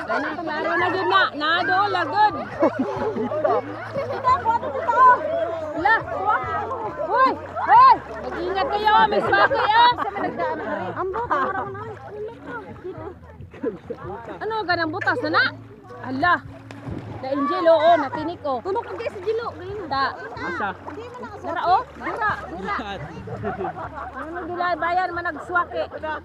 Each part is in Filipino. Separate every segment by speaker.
Speaker 1: Klaro na gid na. Nado lagod. La. Hoy, hoy. Mag-ingat kayo, may swaki ah. Ambo, parang na. Ano ganang butas na na? Ala. Da Angel oo, natinik oh. Tunog ka sa Jilo, ganyan. Da.
Speaker 2: Asa?
Speaker 1: Dara oh, dira. Ano dila bayan man nagswaki.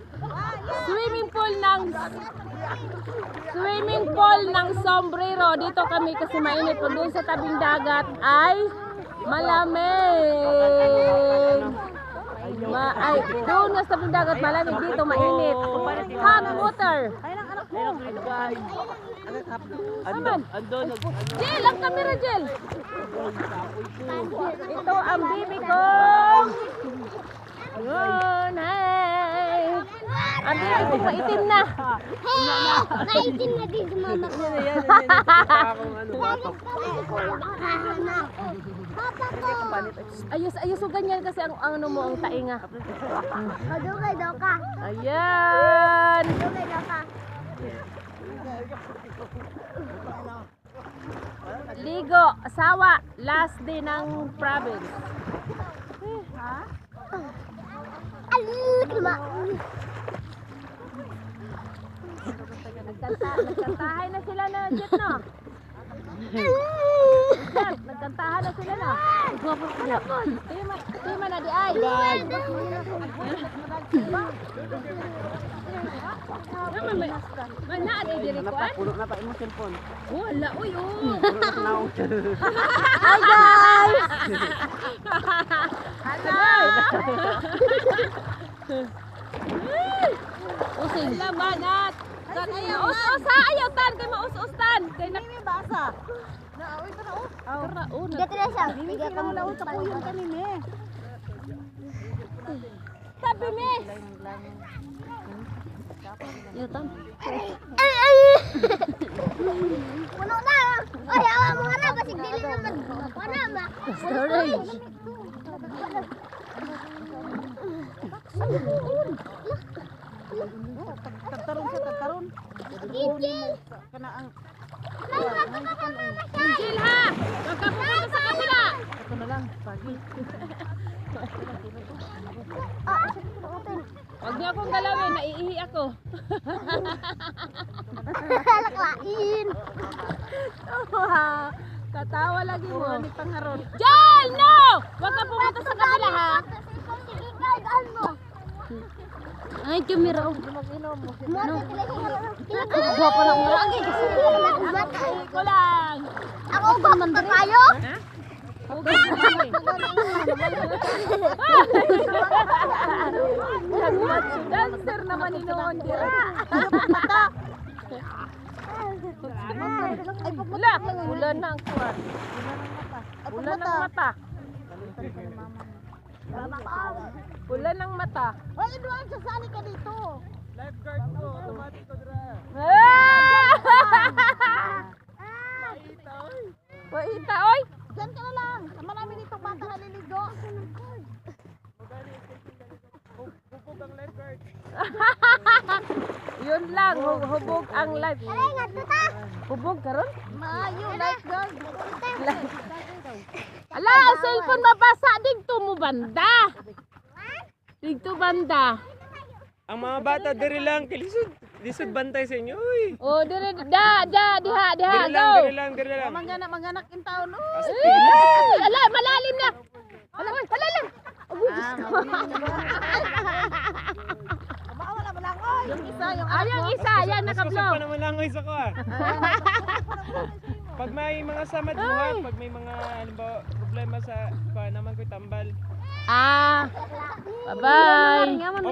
Speaker 1: Swimming pool ng Sombrero. Dito kami kasi mainit. Pag doon sa tabing dagat ay malamig. Ay, doon sa tabing dagat malamig, dito mainit. Hot water.
Speaker 2: Andon.
Speaker 1: Jel, ang camera Jel. Ito ang bibi ko. Yun, hi. Ang bibi ko maitim na.
Speaker 3: Naitim na din si mama ko.
Speaker 1: Ayos o ganyan kasi ang ano mo ang tainga.
Speaker 3: Dugay daw ka.
Speaker 1: Ayan.
Speaker 3: Dugay daw ka.
Speaker 1: Ligo, asawa, last day ng province. Nagkantahay na sila na Jet, no? Jet, nagkantahan na sila na. Tima na di ay. May naaday diri ko ay.
Speaker 2: Puno na pa imong cellphone.
Speaker 1: Wala, uy, oh.
Speaker 3: Hi guys!
Speaker 1: Using labanat. Us-us ha, ayaw tan kay maus-us-tan. Kay
Speaker 4: Ini basa.
Speaker 3: Dito na siya.
Speaker 4: Hindi ka mo laon sa puyon kanini.
Speaker 1: Sabi mi. Yo tan.
Speaker 3: Puno na. Ay, awa mo nga na. Basig dili naman. Wala ba?
Speaker 1: Storage.
Speaker 4: Tagtarong sa tagtarong.
Speaker 3: Gigil.
Speaker 4: Kana ang
Speaker 1: Angel ha. Wag ka pupunta sa kabila.
Speaker 4: ito na lang pagi.
Speaker 1: Wag niyo akong galawin, naiihi ako.
Speaker 3: Laklain.
Speaker 1: Tatawa lagi mo.
Speaker 4: Ni pangaron.
Speaker 1: Jal, no! Wag ka pumunta sa kabila ha. Ay, kamera.
Speaker 3: Gwapo na mo lagi kasi
Speaker 1: Ko lang.
Speaker 3: ako ba man kayo?
Speaker 1: Dancer naman ni noon dira. Wala, ulan ng kuwan. Ulan ng mata. Ulan ng mata.
Speaker 4: Oy, duan sa sali ka dito.
Speaker 2: Lifeguard ko, automatic ko dira.
Speaker 1: Wahita, oy.
Speaker 4: Diyan ka na lang. Sama namin dito bata naliligo.
Speaker 2: Bubog ang lifeguard.
Speaker 1: Yun lang, hubog ang life.
Speaker 3: Ay, nga ta.
Speaker 1: Hubog karon?
Speaker 4: Maayo lifeguard.
Speaker 1: Ala, ang cellphone mabasa digto mo banda. Digto banda.
Speaker 2: Ang mga bata diri lang lisod bantay sa inyo. Uy.
Speaker 1: Oh, dire diha,
Speaker 2: Diri
Speaker 1: go.
Speaker 2: lang.
Speaker 4: Manganak in taon.
Speaker 1: Ay, ala, malalim na. Ala, oy, malalim.
Speaker 4: Wala ba lang oy. Yung isa yung
Speaker 1: Ayang isa, yan
Speaker 2: Mas kusog
Speaker 1: nakablo.
Speaker 2: pa naman lang isa ko ah. Pag may mga samad buhat, pag may mga halimbawa problema sa naman ko tambal.
Speaker 1: Ah. Bye-bye.